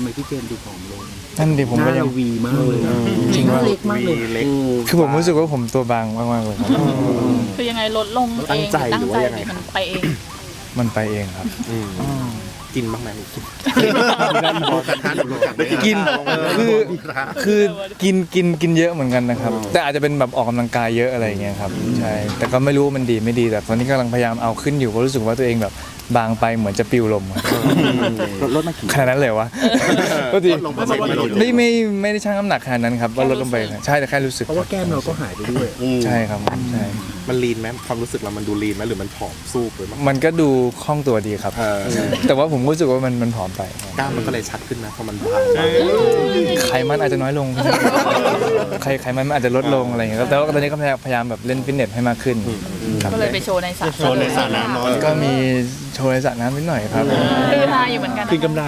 มพี่เจมส์ดูผอมลงนั่นดิผมก็ยังวีมากเลยจริงว่าเล็กมากเลยคือผมรู้สึกว่าผมตัวบางมากๆเลยครับคือยังไงลดลงเองตั้งใจหรือมันไปเองมันไปเองครับกินบ้างไหมกินคือกินเยอะเหมือนกันนะครับแต่อาจจะเป็นแบบออกกำลังกายเยอะอะไรเงี้ยครับใช่แต่ก็ไม่รู้มันดีไม่ดีแต่ตอนนี้กำลังพยายามเอาขึ้นอยู่เพราะรู้สึกว่าตัวเองแบบบางไปเหมือนจะปิวลมลดมากี่ขนาดนั้นเลยวะก็ดีไม่ได้ชั่งน้ำหนักขนาดนั้นครับว่าลดลงไปใช่แต่แค่รู้สึกเพราะว่าแก้มเราก็หายไปด้วยใช่ครับใช่มันลีนไหมความรู้สึกเรามันดูลีนไหมหรือมันผอมสู้ไปมั้งมันก็ดูคล่องตัวดีครับแต่ว่าผมรู้สึกว่ามันผอมไปกล้ามมันก็เลยชัดขึ้นนะเพราะมันบางไขมันอาจจะน้อยลงไขมันอาจจะลดลงอะไรอย่างเงี้ยแต่ว่าตอนนี้ก็พยายามแบบเล่นฟิตเนสให้มากขึ้นก็เลยไปโชว์ในสระน้ำก็มีโชว์ในสระน้ำนิดหน่อยครับคือฮาอยู่เหมือนกันคืนกำไร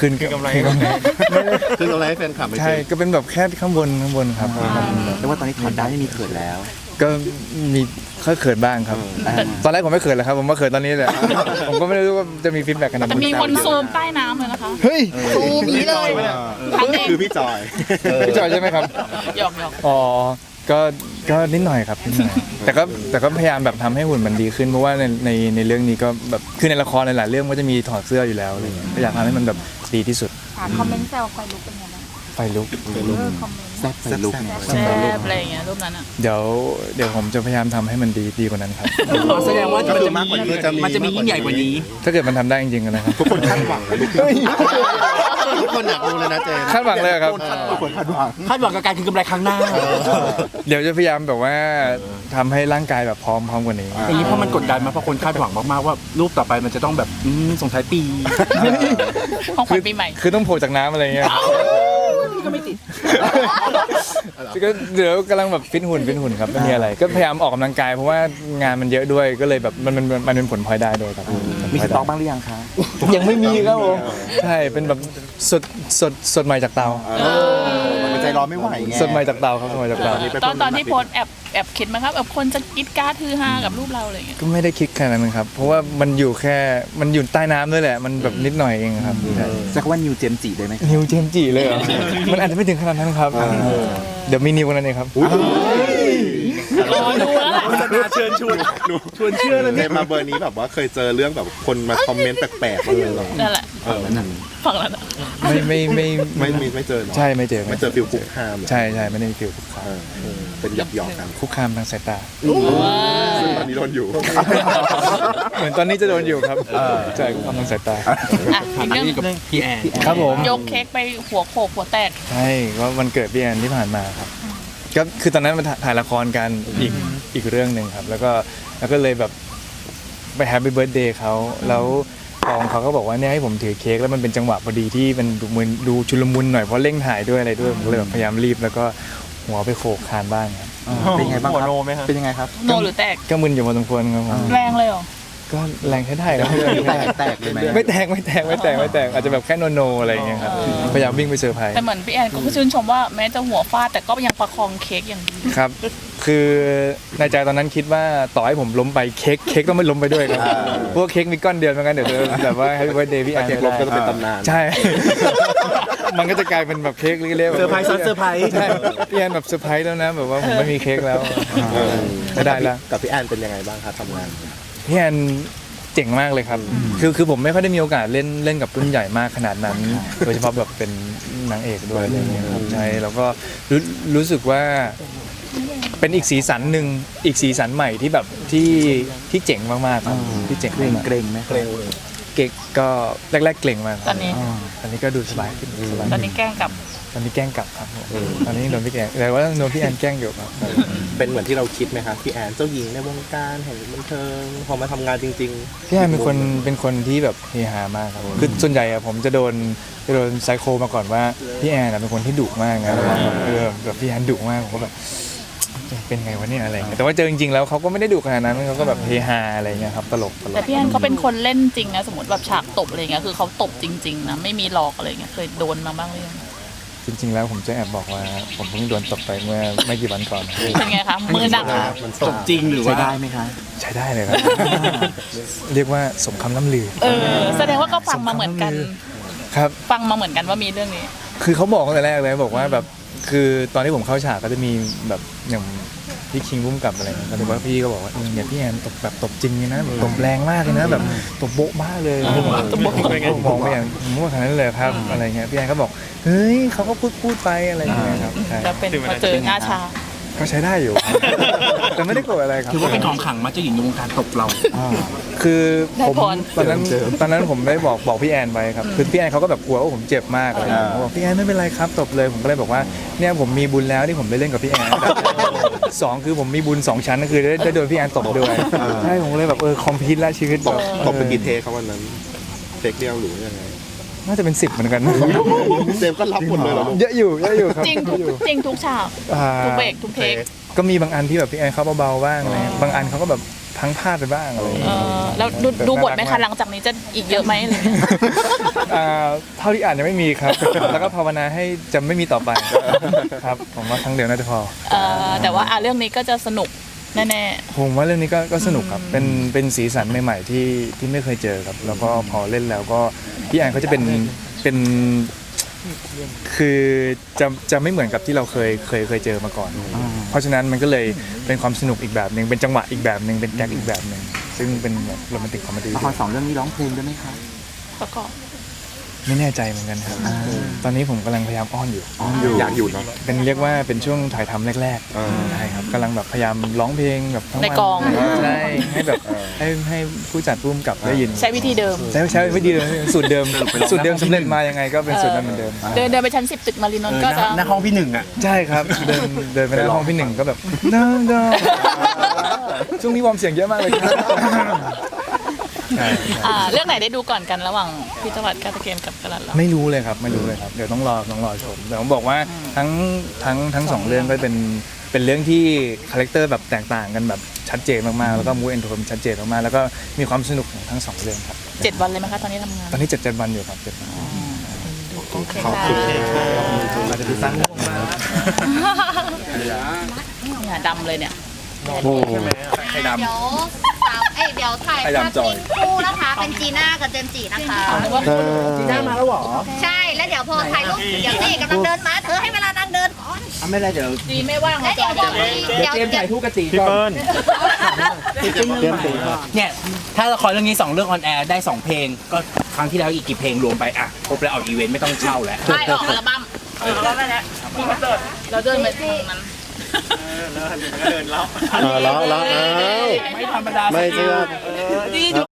ให้แฟนคลับใช่ก็เป็นแบบแค่ข้างบนครับแต่ว่าตอนนี้ถอดได้ไม่มีเขินแล้วก็มีเขินบ้างครับตอนแรกผมไม่เขินเลยครับผมมาเขินตอนนี้เลยผมก็ไม่รู้ว่าจะมีฟีดแบ็กขนาดนั้นมีคนซูมใต้น้ำเลยนะคะเฮ้ยซูมนี้เลยคือพี่จอยใช่ไหมครับหยอกอ๋อก็นิดหน่อยครับแต่ก็พยายามแบบทำให้หุ่นมันดีขึ้นเพราะว่าในเรื่องนี้ก็แบบคือในละครในหลายเรื่องก็จะมีถอดเสื้ออยู่แล้วอะไรเงี้ยก็อยากทำให้มันแบบดีที่สุดคอมเมนต์แซวไฟลุกเป็นยังไงไฟลุกคอมเมนต์แซ่บไฟลุกแซ่บอะไรอย่างเงี้ยรูปนั้นอ่ะเดี๋ยวผมจะพยายามทำให้มันดีกว่านั้นครับแสดงว่ามันจะมียิ่งใหญ่กว่านี้ถ้าเกิดมันทำได้จริงๆนะครับทุกคนคาดหวังทุกคนอยากรู้เลยนะเจมคาดหวังเลยครับทุกคนคาดหวังกับการคืนกำไรครั้งหน้าเดี๋ยวจะพยายามแบบว่าทำให้ร่างกายแบบพร้อมกว่านี้อย่างนี้เพราะมันกดดันมาเพราะคนคาดหวังมากๆว่ารูปต่อไปมันจะต้องแบบส่งท้ายปีของขวัญปีใหม่คือต้องโผล่จากน้ำอะไรเงี้ยก็ไม่ติดก็เดี๋ยวกำลังแบบฟิตหุ่นครับไม่มีอะไรก็พยายามออกกำลังกายเพราะว่างานมันเยอะด้วยก็เลยแบบมันเป็นผลพลอยได้ด้วยครับมีสต็อกบ้างหรือยังคะยังไม่มีครับผมใช่เป็นแบบสดใหม่จากเตามันใจร้อนไม่ไหวไงสดใหม่จากเตาครับสดใหม่จากเตาตอนที่โพสแอบคิดไหมครับแบบคนจะกิ๊ดก้าทือฮากับรูปเราอะไรอย่างเงี้ยก็ไม่ได้คิดขนาดนั้นครับเพราะว่ามันอยู่ใต้น้ำด้วยแหละมันแบบนิดหน่อยเองครับจะว่านิวเจมจีได้ไหมนิวเจมจีเลยเหรอมันอาจจะไม่ถึงขนาดนั้นครับเดี๋ยวมีนิวกันนั่นเองครับรอดูแล้วเชิญชวนเชื่อเลยเนี่ยมาเบอร์นี้แบบว่าเคยเจอเรื่องแบบคนมาคอมเมนต์แปลกๆบ้างเลยหรอนั่นแหละฝั่งแล้วนะไม่เจอใช่ไม่เจอฟิลคุกคามใช่ไม่ได้ฟิลคุกคามเป็นหยอกกันคุกคามทางสายตาซึ่งตอนนี้โดนอยู่เหมือนตอนนี้จะโดนอยู่ครับใช่คุกคามทางสายตาอีกเรื่องกับพี่แอนครับผมยกเค้กไปหัวโขกหัวแตกใช่ก็วันเกิดพี่แอนที่ผ่านมาครับก็คือตอนนั้นมาถ่ายละครกันอีกเรื่องหนึ่งครับแล้วก็เลยแบบไปแฮปปี้เบิร์ธเดย์เขาแล้วกองเขาก็บอกว่าเนี่ยให้ผมถือเค้กแล้วมันเป็นจังหวะพอดีที่มันดูชุลมุนหน่อยเพราะเร่งถ่ายด้วยอะไรด้วยผมเลยแบบพยายามรีบแล้วก็หัวไปโขกคานบ้างครับเป็นยังไงบ้างครับเป็นยังไงครับโนหรือแตกก็มึนอยู่พอสมควรครับแรงเลยเหรอก็แรงแค่ได้ครับแตกเลยไหมไม่แตกอาจจะแบบแค่โนอะไรอย่างเงี้ยครับพยายามวิ่งไปเซอร์ไพรส์แต่เหมือนพี่แอนก็ชื่นชมว่าแม้จะหัวฟาดแต่ก็ยังประคองเค้กอย่างดีครับคือในใจตอนนั้นคิดว่าต่อให้ผมล้มไปเค้กต้องไม่ล้มไปด้วยครับพวกเค้กมีก้อนเดียวเหมือนกันเดี๋ยวแบบว่าให้วันเดย์พี่แอนเค้กล้มก็จะเป็นตำนานใช่มันก็จะกลายเป็นแบบเค้กเล็กๆเซอร์ไพรส์ใช่พี่แอนแบบเซอร์ไพรส์แล้วนะแบบว่าผมไม่มีเค้กแล้วไม่ได้แล้วกับพี่แอนเป็นยังไงบ้างครับทำงานพี่แอนเจ๋งมากเลยครับคือผมไม่ค่อยได้มีโอกาสเล่นกับรุ่นใหญ่มากขนาดนั้นโดยเฉพาะแบบเป็นนางเอกด้วยอะไรอย่างเงี้ยครับใช่แล้วก็รู้สึกว่าเป็นอีกสีสันหนึ่งอีกสีสันใหม่ที่แบบที่เจ๋งมากๆครับที่เจ๋งเกรงไหมเก่งก็แรกๆเกรงมากตอนนี้ก็ดูสบายขึ้นตอนนี้แกล้งกลับครับตอนนี้โดนพี่แอนแต่ว่าโดนพี่แอนแกล้งอยู่ครับเป็นเหมือนที่เราคิดไหมครับพี่แอนเจ้าหญิงในวงการแห่งบันเทิงพอมาทำงานจริงๆพี่แอนเป็นคนที่แบบเฮฮามากครับคือส่วนใหญ่ผมจะโดนไซโคมาก่อนว่าพี่แอนเป็นคนที่ดุมากนะแบบพี่แอนดุมากผมก็แบบเป็นไงวะเนี่ยอะไรเงี้ยแต่ว่าเจอจริงๆแล้วเขาก็ไม่ได้ดุขนาดนั้นเขาก็แบบเฮฮาอะไรเงี้ยครับตลกแต่พี่แอนเขาเป็นคนเล่นจริงนะสมมติแบบฉากตบอะไรเงี้ยคือเขาตบจริงๆนะไม่มีหลอกอะไรเงี้ยเคยโดนมาบ้างหรือยังจริงๆแล้วผมจะแอบบอกว่าผมเพิ่งโดนตบไปเมื่อไม่กี่วันก่อนเป็นไงคะมือหนักตบจริงหรือว่าใช้ได้ไหมคะใช้ได้เลยครับเรียกว่าสมคำล่ำลือแสดงว่าก็ฟังมาเหมือนกันครับฟังมาเหมือนกันว่ามีเรื่องนี้คือเขาบอกตั้งแต่แรกเลยบอกว่าแบบคือตอนที่ผมเข้าฉากก็จะมีแบบอย่างพี่คิงพุ่มกับอะไรเงี้ยก็เลยว่าพี่ก็บอกว่าเนี่ยพี่แอนตบแบบตบจริงเลยนะแบบตบแรงมากเลยนะแบบตบโบ๊ะบ้าเลยตบโบ๊ะมองไปอย่างผมว่าขนาดนั้นเลยครับอะไรเงี้ยพี่แอนก็บอกเฮ้ยเขาก็พูดไปอะไรเงี้ยครับใช่แล้วเป็นพอเจอหน้าชาก็ใช้ได้อยู่ แต่ไม่ได้โกรธอะไรครับถือว่าเป็นของขลังมาเจ้าหญิงในวงการตบเราคือได้ผมพรตอนนั้นผมได้บอกพี่แอนไปครับคือพี่แอนเขาก็แบบกลัวว่าผมเจ็บมากอะไรอย่างเงี้ยผมบอกพี่แอนไม่เป็นไรครับตบเลยผมก็เลยบอกว่าเนี่ยผมมีบุญแล้วที่ผมได้เล่นกับพี่แอนสองคือผมมีบุญ2 ชั้นก็คือได้โดนพี่แอนตบด้วยใช่ผมเลยแบบคอมพิวต์แล้วชีวิตแบบตบไปกี่เทคครับวันนั้นเทคเดียวหรือยังไงน่าจะเป็น10เหมือนกันเจมส์ก็รับหมดเลยเหรอลูกเยอะอยู่ครับจริงทุกจริงทุกฉากอ่าทุกเบรกทุกเทคก็มีบางอันที่แบบพี่แอนเขาเบาๆบ้างอะไรเงี้ยบางอันเขาก็แบบพังพลาดไปบ้างอะไรอย่างเงี้ยแล้วดูบทไหมคะหลังจากนี้จะอีกเยอะไหมอะไรเงี้ยเท่าที่อ่านยังไม่มีครับ แล้วก็ภาวนาให้จะไม่มีต่อไปครับผมว่าครั้งเดียวน่าจะพอแต่ว่าเรื่องนี้ก็จะสนุกแน่ผมว่าเรื่องนี้ก็สนุกครับเป็นสีสันใหม่ๆที่ไม่เคยเจอครับแล้วก็พอเล่นแล้วก็พี่แอนเขาจะเป็นคือจะไม่เหมือนกับที่เราเคยเจอมาก่อน เพราะฉะนั้นมันก็เลยเป็นความสนุกอีกแบบหนึ่งเป็นจังหวะอีกแบบหนึ่งเป็นแก๊กอีกแบบหนึ่งซึ่งเป็นแบบโรแมนติกคอมเมดี้ละคร2 เรื่องนี้ร้องเพลงด้วยไหมครับๆประกอบไม่แน่ใจเหมือนกันครับตอนนี้ผมกำลังพยายามอ้อนอยู่อยากอยู่เนาะเป็นเรียกว่าเป็นช่วงถ่ายทำแรกๆใช่ครับกำลังแบบพยายามร้องเพลงแบบทั้งวันในกองใช่ให้แบบให้ผู้จัดผู้กำกับได้ยินใช้วิธีเดิมใช้วิธีเดิมสูตรเดิมสูตรเดิมสำเร็จมายังไงก็เป็นสูตรนั้นเหมือนเดิมเดินไปชั้น 10 ตึกมารีนนท์ก็จะหน้าห้องพี่หนึ่งอ่ะใช่ครับเดินไปในห้องพี่หนึ่งก็แบบน้องช่วงนี้วอร์มเสียงเยอะมากเลยครับใช่เรื่องไหนได้ดูก่อนกันระหว่างพี่จวัดกาตะเกมกับกระลันเราไม่รู้เลยครับเดี๋ยวต้องรอชมแต่ผมบอกว่าทั้งสองเรื่องก็เป็นเรื่องที่คาแรคเตอร์แบบแตกต่างกันแบบชัดเจนมากๆแล้วก็มูฟแอนโทนชัดเจนมากๆแล้วก็มีความสนุกของทั้งสองเรื่องครับ 7 วันเลยไหมคะตอนนี้ทำงานตอนนี้7 วันอยู่ครับ7 วันโอเคขอบค่ะคุณอาจจะไปสร้างวงมาเนี่ยดำเลยเนี่ยไข่ดำเดี๋ยวเดี๋ยวถ่ายไข่ภาพดำจอยนิ่งคู่นะคะ เป็นจีน่ากับเจมส์จีนะคะจีน่ามาแล้วเหรอใช่ แล้วเดี๋ยวพอถ่ายรูปเดี๋ยวนี่กำลังเดินมาเธอให้เวลานางเดินก่อนไม่ได้เดี๋ยวดีไม่ว่างแล้วเดี๋ยวเดี๋ยวเตรียมถ่ายคู่กับตีก่อนเนี่ยถ้าละครเรื่องนี้2 เรื่องออนแอร์ได้2 เพลงก็ครั้งที่แล้วอีกกี่เพลงรวมไปอ่ะครบแล้วออกอีเวนต์ไม่ต้องเช่าแล้วไม่ออกอัลบั้มได้แล้วเราเดินไปทางนั้นแล้วไม่ธรรมดาไม่เชื่อดีดู